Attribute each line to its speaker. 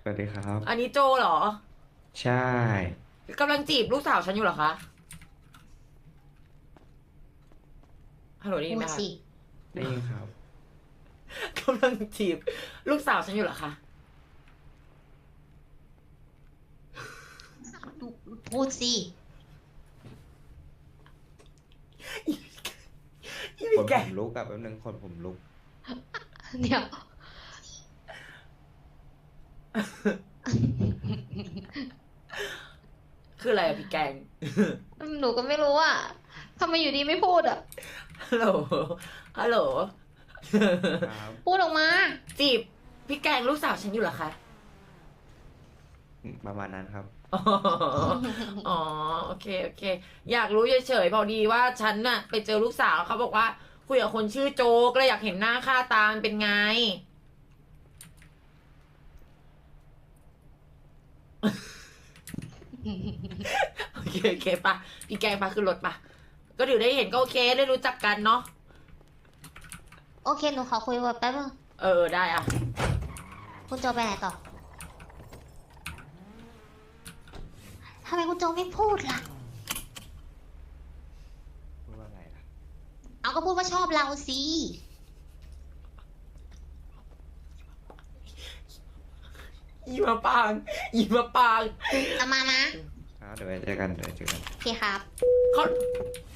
Speaker 1: สวัสดีครับ
Speaker 2: อันนี้โจเหรอ
Speaker 1: ใช่
Speaker 2: กำลังจีบลูกสาวฉันอยู่เหรอคะฮัลโหลได้ยินไหมคะ
Speaker 3: พูดสิ
Speaker 1: ได้ยินครับ
Speaker 2: กำลังจีบลูกสาวฉันอยู่เหรอคะ
Speaker 3: พูดสิ
Speaker 2: อี
Speaker 1: ค
Speaker 2: พี่
Speaker 1: น
Speaker 2: แก
Speaker 1: ผมลุกอะแป๊บนึงคนผมลุก
Speaker 3: เดี๋ยว
Speaker 2: คืออะไรอะพี่แกง
Speaker 3: หนูก็ไม่รู้อ่ะทำไมอยู่ดีไม่พูดอ่ะ
Speaker 2: ฮัลโหลฮัลโหล
Speaker 1: ครับ
Speaker 3: พูดออกมา
Speaker 2: จีบพี่แกงลูกสาวฉันอยู่เหรอคะ
Speaker 1: ประมาณนั้นครับ
Speaker 2: อ๋ออ๋อโอเคโอเค อยากรู้เฉยๆพอดีว่าฉันน่ะไปเจอลูกสาวเขาบอกว่าคุยกับคนชื่อโจก็เลยอยากเห็นหน้าค่าตามันเป็นไง โอเคโอเคปะพี่แกงปะขึ้นรถปะก็เดี๋ยวได้เห็นก็โอเคได้รู้จักกันเนาะ
Speaker 3: โอเค หนูขอคุยกับแป๊บนึง
Speaker 2: ได้อะ
Speaker 3: คุณโจไปไหนต่อทำไมคุณโจไม่พูดล่ะ
Speaker 1: พูดว่าไงล่ะ
Speaker 3: เอาก็พูดว่าชอบเราสิ
Speaker 2: อีมาปางอีมาปาง
Speaker 3: จะมานะ
Speaker 1: ครับเดี๋ยวไว้เจอกันเดี๋ยวเจอกัน
Speaker 3: โอเคครับ
Speaker 2: เขา